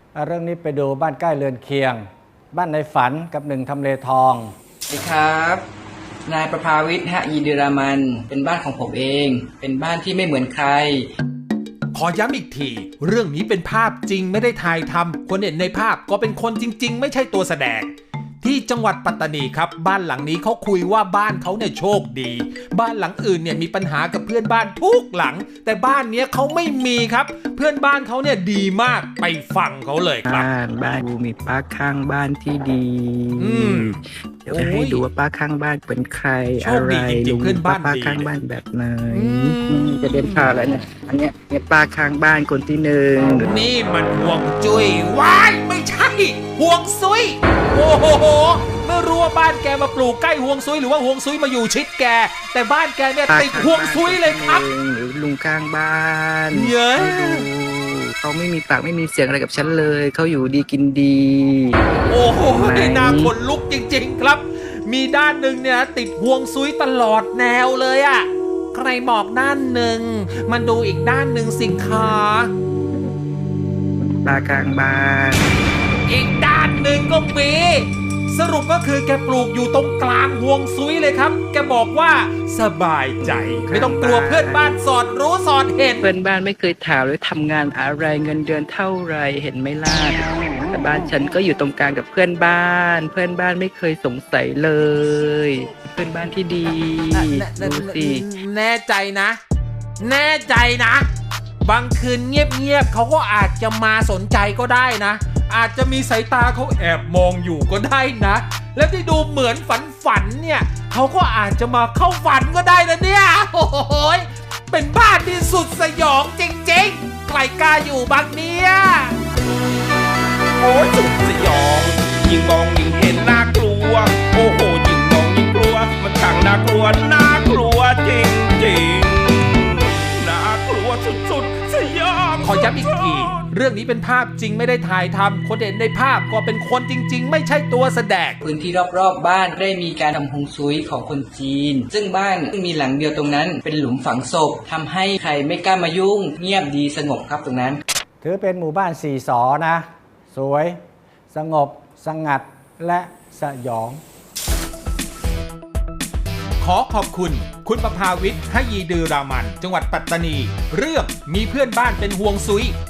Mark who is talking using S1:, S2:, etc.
S1: เรื่องนี้ไปดูบ้านใกล้เรือนเคียง บ้านในฝันกับหนึ่งทำเลทอง
S2: สวัสดีครับนายประภาวิทย์ยีเดรามันเป็นบ้านของผมเองเป็นบ้านที่ไม่เหมือนใคร
S3: ขอย้ำอีกทีเรื่องนี้เป็นภาพจริงไม่ได้ถ่ายทำคนเห็นในภาพก็เป็นคนจริงๆไม่ใช่ตัวแสดงที่จังหวัดปัตตานีครับบ้านหลังนี้เขาคุยว่าบ้านเขาเนี่ยโชคดีบ้านหลังอื่นเนี่ยมีปัญหากับเพื่อนบ้านทุกหลังแต่บ้านเนี้ยเขาไม่มีครับเพื่อนบ้านเขาเนี่ยดีมากไปฟังเขาเลยครับ
S4: บ้านมีป้าข้างบ้านที่ดีเดี๋ยวจะให้ดูว่าป้าข้างบ้านเป็นใครอะไรลุงป้าข้างบ้านแบบไหนจะเดินผ่านแล้วเนี่ยอันเนี้ยป้าข้างบ้านคนที่หนึ่ง
S3: นี่มันห่วงจุ้ยว้ายไม่ใช่ห่วงซุยโอ้โหไม่รู้ว่าบ้านแกมาปลูกใกล้ห่วงซุยหรือว่าห่วงซุยมาอยู่ชิดแกแต่บ้านแกเนี่ยติดห่วงซุยเลยครับ
S4: หรือลุงข้างบ้าน
S3: เยอะ
S4: เขาไม่มีปากไม่มีเสียงอะไรกับฉันเลยเขาอยู่ดีกินดี
S3: โอ้โหน่าขนลุกจริงๆครับมีด้านหนึ่งเนี่ยติดห่วงซุยตลอดแนวเลยอะใครบอกด้านหนึ่งมันดูอีกด้านหนึ่งสิคะ
S4: ปลากลางบ้าน
S3: อีกด้านหนึ่งก็มีสรุปก็คือแกปลูกอยู่ตรงกลางห่วงซุยเลยครับแกบอกว่าสบายใจไม่ต้องกลัวเพื่อนบ้านสอดรู้สอดเห็น
S4: เพื่อนบ้านไม่เคยถามเลยทำงานอะไรเงินเดือนเท่าไรเห็นไหมล่ะแต่บ้านฉันก็อยู่ตรงกลางกับเพื่อนบ้านเพื่อนบ้านไม่เคยสงสัยเลยเพื่อนบ้านที่ดีดูสิ
S3: แน่ใจนะแน่ใจนะบางคืนเงียบๆเขาก็อาจจะมาสนใจก็ได้นะอาจจะมีสายตาเขาแอบมองอยู่ก็ได้นะแล้วที่ดูเหมือนฝันเนี่ยเขาก็อาจจะมาเข้าฝันก็ได้นะเนี่ยโอ้โหเป็นบ้านที่สุดสยองจริงๆใครกล้าอยู่บ้างเนี่ย
S5: โอ้ยสุดสยองยิ่งมองยิ่งเห็นน่ากลัวโอ้โหยิ่งมองยิ่งกลัวมันช่างน่ากลัวจริงๆน่ากลัวสุดๆสยอง
S3: ขอย้ำอีกทีเรื่องนี้เป็นภาพจริงไม่ได้ถ่ายทำคนเห็นในภาพก็เป็นคนจริงๆไม่ใช่ตัวแสดง
S2: พื้นที่รอบๆบ้านได้มีการทำฮวงซุยของคนจีนซึ่งบ้านมีหลังเดียวตรงนั้นเป็นหลุมฝังศพทำให้ใครไม่กล้ามายุ่งเงียบดีสงบครับตรงนั้น
S1: ถือเป็นหมู่บ้าน4 สอนะสวยสงบสงัดและสยอง
S3: ขอขอบคุณคุณประภาวิทย์ยีดือรามันจังหวัดปัตตานีเรื่องมีเพื่อนบ้านเป็นห่วงซุย